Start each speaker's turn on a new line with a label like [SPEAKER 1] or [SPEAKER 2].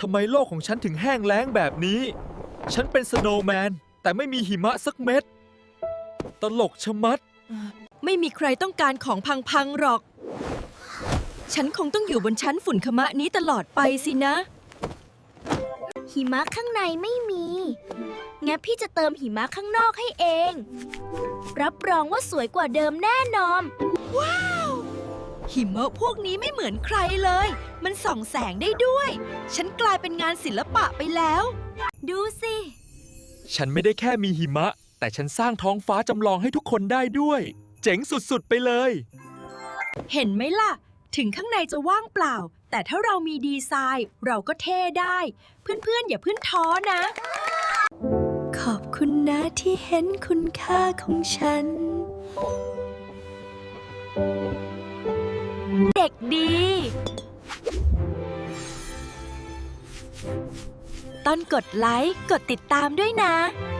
[SPEAKER 1] ทำไมโลกของฉันถึงแห้งแล้งแบบนี้ ฉันเป็นสโนว์แมนแต่ไม่มีหิมะสักเม็ด ตลกชะมัด
[SPEAKER 2] ไม่มีใครต้องการของพังๆหรอก ฉันคงต้องอยู่บนชั้นฝุ่นขมะนี้ตลอดไปสินะ
[SPEAKER 3] หิมะข้างในไม่มี งั้นพี่จะเติมหิมะข้างนอกให้เอง รับรองว่าสวยกว่าเดิมแน่นอน
[SPEAKER 2] หิมะพวกนี้ไม่เหมือนใครเลย มันส่องแสงได้ด้วย ฉันกลายเป็นงานศิลปะไปแล้ว
[SPEAKER 3] ดูสิ
[SPEAKER 1] ฉันไม่ได้แค่มีหิมะ แต่ฉันสร้างท้องฟ้าจำลองให้ทุกคนได้ด้วย เจ๋งสุดๆไปเลย
[SPEAKER 2] เห็นไหมล่ะ ถึงข้างในจะว่างเปล่า แต่ถ้าเรามีดีไซน์เราก็เท่ได้ เพื่อนๆอย่าเพิ่งท้อนะ ขอบคุณนะที่เห็นคุณค่าของฉัน
[SPEAKER 3] เด็กดี
[SPEAKER 2] ต้นกดไลค์ กดติดตามด้วยนะ